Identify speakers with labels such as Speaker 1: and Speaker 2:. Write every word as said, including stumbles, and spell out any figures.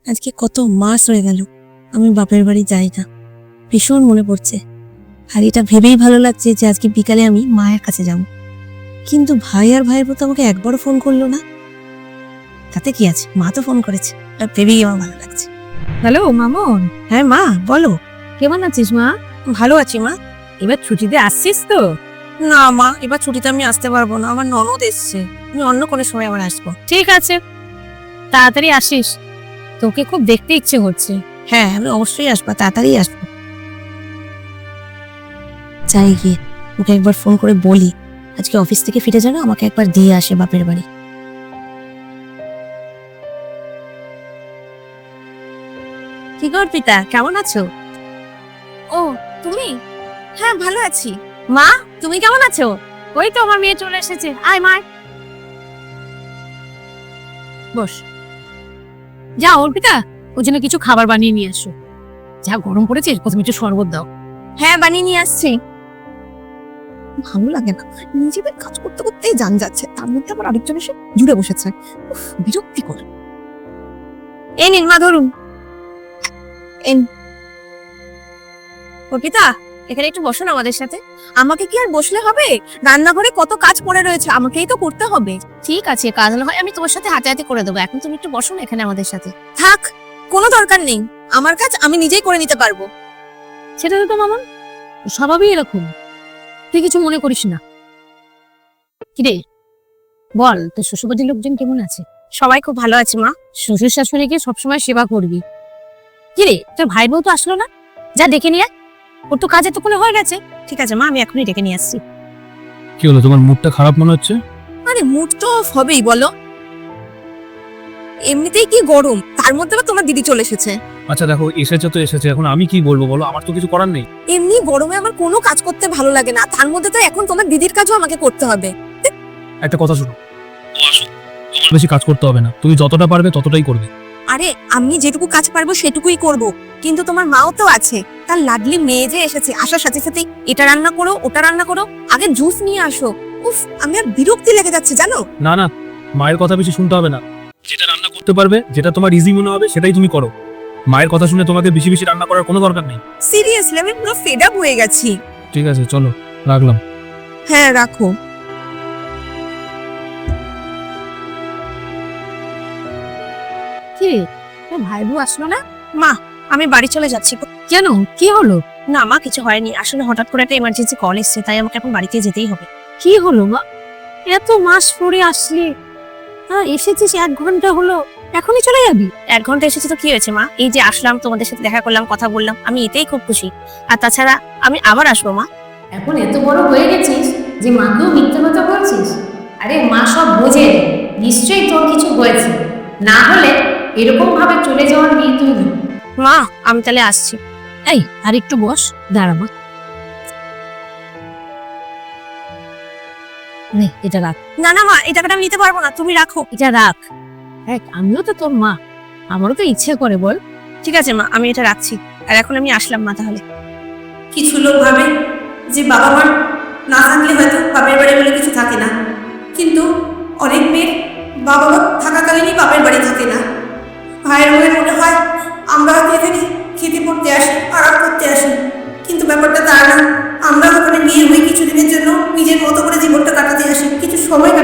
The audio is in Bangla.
Speaker 1: আজকে কত মাস হয়ে গেল আমি বাপের বাড়ি যাই না, ভীষণ মনে পড়ছে। আর এটা ভেবেই ভালো লাগছে যে আজকে বিকালে আমি মায়ের কাছে যাব। কিন্তু ভাই আর ভাইয়ের মতো আমাকে একবারও ফোন করলো না। তাতে কি আছে, মা তো ফোন করেছে, আর ভেবেই আমার ভালো লাগছে।
Speaker 2: হ্যালো মামন।
Speaker 1: হ্যাঁ মা বলো।
Speaker 2: কেমন আছিস মা?
Speaker 1: ভালো আছি মা।
Speaker 2: এবার ছুটিতে আসছিস তো?
Speaker 1: না মা, এবার ছুটিতে আমি আসতে পারবো না, আমার ননদ এসছে। আমি অন্য কোনো সময় আবার আসবো।
Speaker 2: ঠিক আছে, তাড়াতাড়ি আসিস, তোকে খুব দেখতে ইচ্ছে হচ্ছে।
Speaker 1: হ্যাঁ আমি অবশ্যই আসবো, তাড়াতাড়ি আসবো। চাই গিয়ে ওকে একবার ফোন করে বলি আজকে অফিস থেকে ফিরে যেন আমাকে একবার দিয়ে আসে বাপের বাড়ি। কি গো অর্পিতা, কেমন আছো?
Speaker 2: ও তুমি?
Speaker 1: হ্যাঁ ভালো আছি।
Speaker 2: মা তুমি কেমন আছো? ওই তো আমার মেয়ে চলে এসেছে, আয় মা বস। যা অর্পিতা, ওর জন্য কিছু খাবার বানিয়ে নিয়ে আসো। যা গরম পড়েছে, প্রথমে একটু শরবত দাও।
Speaker 1: হ্যাঁ বানিয়ে নিয়ে আসছি। ভালো লাগে না, নিজেদের কাজ করতে করতেই জান যাচ্ছে, তার মধ্যে আবার আরেকজন এসে জুড়ে বসেছে। উফ, বিরক্তিকর। এই নিন মা, ধরুন। এন অর্পিতা, এখানে একটু বসো না আমাদের সাথে। আমাকে কি আর বসলে হবে? রান্নাঘরে কত কাজ পড়ে রয়েছে, আমাকেই তো করতে হবে।
Speaker 2: ঠিক আছে, কাজ না হয় আমি তোমার সাথে হাতে হাতে করে দেবো, এখন তুমি একটু বসো না এখানে আমাদের সাথে।
Speaker 1: থাক, কোনো দরকার নেই, আমার কাজ আমি নিজেই করে নিতে পারবো।
Speaker 2: সেটা তো মামন স্বভাবই এরকম, তুই কিছু মনে করিস না। কিরে বল, তোর শ্বশুরবাড়ির লোকজন কেমন আছে?
Speaker 1: সবাই খুব ভালো আছে মা।
Speaker 2: শ্বশুর শাশুড়িকে সবসময় সেবা করবি। কিরে তোর ভাই বউ তো আসলো না, যা ডেকে নিয়ে আয়। ওর তো কাজ এতক্ষণে হয়ে গেছে।
Speaker 1: ঠিক আছে মা, আমি এখনই ডেকে নিয়ে আসছি।
Speaker 3: কি হলো, তোমার মুডটা খারাপ মনে হচ্ছে?
Speaker 1: আরে মুড তো অফ হবেই বলো, এমনিতেই কি গরম, তার মধ্যে আবার তোমার দিদি চলে এসেছে।
Speaker 3: আচ্ছা দেখো, এসেছে তো এসেছে, এখন আমি কি বলবো বলো, আমার তো কিছু করার নেই।
Speaker 1: এমনি গরমে আমার কোনো কাজ করতে ভালো লাগে না, তার মধ্যে তো এখন তোমার দিদির কাজও আমাকে করতে হবে।
Speaker 3: একটা কথা শুনো, ও আসুক, তোমার বেশি কাজ করতে হবে না, তুমি যতটা পারবে ততটাই করবে।
Speaker 1: আরে আমি যেটুকু কাজ পারবো সেটুকুই করব, কিন্তু তোমার মাও তো আছে, তার লাডলি মেয়ে যে এসেছে, আসার সাথে সাথে এটা রান্না করো ওটা রান্না করো, আগে জুস নিয়ে আসো। উফ, আমি আর বিরক্তি লেগে যাচ্ছে জানো।
Speaker 3: না না, মায়ের কথা বেশি শুনতে হবে না, যেটা রান্না করতে পারবে, যেটা তোমার ইজি মনে হবে সেটাই তুমি করো। মায়ের কথা শুনে তোমাকে বেশি বেশি রান্না করার কোনো দরকার নেই।
Speaker 1: সিরিয়াসলি আমি পুরো ফেড আপ হয়ে গেছি।
Speaker 3: ঠিক আছে চলো, রাখলাম।
Speaker 1: হ্যাঁ রাখো।
Speaker 2: কিরে তোর ভাই বউ আসলো না?
Speaker 1: মা আমি বাড়ি চলে যাচ্ছি।
Speaker 2: কেন, কি হলো?
Speaker 1: না মা কিছু হয়নি, আসলে হঠাৎ করে একটা ইমার্জেন্সি কল এসেছে, তাই আমাকে এখন বাড়িতে যেতেই হবে।
Speaker 2: কি হলো মা, এত মাস পরে আসলি, হ্যাঁ এসেছিস এক ঘন্টা হলো, এখনই চলে যাবি?
Speaker 1: এক ঘন্টা এসেছি তো কি হয়েছে মা, এই যে আসলাম তোমাদের সাথে দেখা করলাম, কথা বললাম, আমি এতেই খুব খুশি। আর তাছাড়া আমি আবার আসবো মা।
Speaker 2: এখন এত বড় হয়ে গেছিস যে মাকেও মিথ্যে কথা বলছিস? আরে মা সব বোঝে, নিশ্চয়ই তোর কিছু হয়েছে, না হলে এরকম ভাবে চলে যাওয়ার মেয়ে তুই নয়।
Speaker 1: মা আমি তাহলে আসছি।
Speaker 2: এই আর একটু বস, দাঁড়াবো। নে এটা রাখ।
Speaker 1: না না মা, এই টাকাটা আমি নিতে পারবো না, তুমি রাখো।
Speaker 2: এটা রাখ। দেখ আমিও তো তোর মা, আমারও তো ইচ্ছে করে বল।
Speaker 1: ঠিক আছে মা, আমি এটা রাখছি। আর এখন আমি আসলাম মা তাহলে। কিছু লোক ভাবে যে বাবা মা না থাকলে হয়তো বাপের বাড়ি বলে কিছু থাকে না, কিন্তু অনেক মেয়ের বাবা মা থাকাকালীনই বাপের বাড়ি থাকে না। ভাইয়ের বলে মনে হয় আমরা হয়তো এখানে খেতে পড়তে আসি, আরাম করতে আসি, কিন্তু ব্যাপারটা তা না। আমরা ওখানে বিয়ে হয়ে কিছুদিনের জন্য নিজের মতো করে জীবনটা কাটাতে আসি, কিছু সময়